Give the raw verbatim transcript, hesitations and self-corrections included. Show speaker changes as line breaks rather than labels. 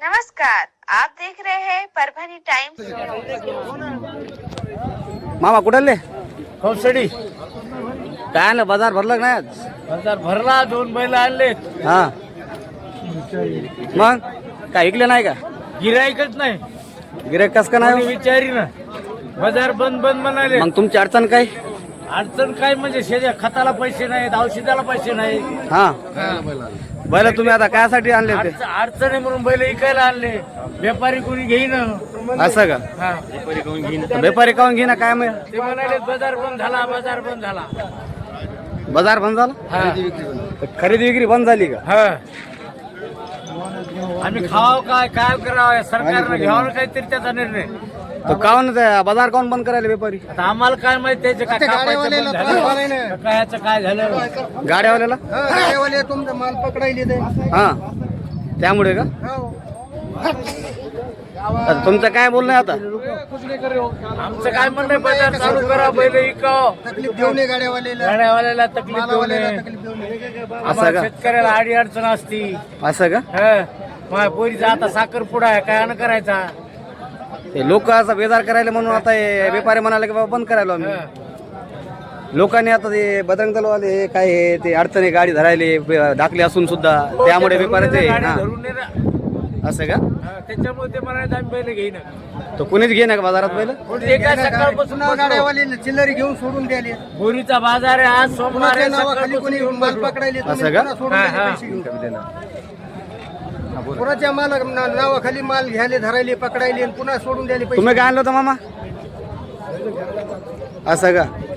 नमस्कार, आप देख रहे हैं परभणी टाइम्स।
मामा कुठले
कौसडी
काय आणलं बाजार भरलं का नाही आज?
बाजार भरला, दोन बैल आणले.
हा मग काय ऐकलं नाही का?
गिराईकच नाही,
गिऱ्हाईक कस का
कोणी
नाही?
विचारी ना. बाजार बंद बंद म्हणाले.
मग तुमची अडचण काय?
अडचण काय म्हणजे शेजा खताला पैसे नाहीत, औषधाला पैसे नाही.
हा बैल तुम्ही आता कायसाठी आणले होते?
अडचण अडचण आहे म्हणून बैल इकायला आणले. व्यापारी कोणी घेईन.
असं का?
हा.
व्यापारी काऊन घेईना काय मग?
ते म्हणाले बाजार बंद झाला, बाजार बंद झाला.
बाजार बंद झाला?
हा.
तर खरेदी विक्री बंद झाली का?
हा. आम्ही खावावं काय काय करावं, सरकारनं घ्यावं ना काहीतरी त्याचा निर्णय.
तर काऊन ते बाजार काऊन बंद करायला व्यापारी?
आता आम्हाला काय माहिती त्याचे काय कापायचं बंद झालं, काय ह्याचं काय झालं.
गाड्यावाल्याला?
गाड्यावाले तुमचा माल पकडायले ते.
हा त्यामुळे का? आता तुमचं काय बोलणं आहे आता?
आमचं काय म्हणणं आहे, बाजार चालू करा, बैल इकाव.
तकलीफ देऊ नये गाड्यावाल्याला,
गाड्यावाल्याला तकलीफ देऊ
मालावाल्याला
नये.
तकलीफ देऊ नये.
आम्हाला
का?
शेतकऱ्याला आडी अडचण असती.
असं का?
हं. माझ्या पोरीचा आता साखरपुडा आहे, काय अन्न करायचा.
ते लोक असा बेजार करायला म्हणून आता हे व्यापारी म्हणाले की बाबा बंद करायला आम्ही.
हं.
लोकांनी आता ते बजरंग दलवाले काय हे ते अडचणी गाडी धरायले दाखले असून सुद्धा त्यामुळे व्यापाऱ्याचे
गाडी
हा.
धरून ने ना.
असं का?
हं, त्याच्यामुळे ते म्हणाले आम्ही बैल घेईन.
तो कोणीच घे ना का बाजारात पहिलं?
ते काय सकाळपासून
पुन्हा गाड्यावाले चिल्लरी घेऊन सोडून द्याले.
बोरीचा बाजार आहे आज सोमवार
पुन्हा
आहे,
नावाखाली कोणी
सकाळपासून
माल पकडायले, तुम्ही
असं का?
पुन्हा सोडून
हा,
द्याले
हा.
पैसे घेऊन. पुराच्या माल नावाखाली माल घ्यायले, धरायले, पकडायले आणि पुन्हा सोडून द्याले पैसे.
तुम्ही काय आणलं होतं मामा? असं का?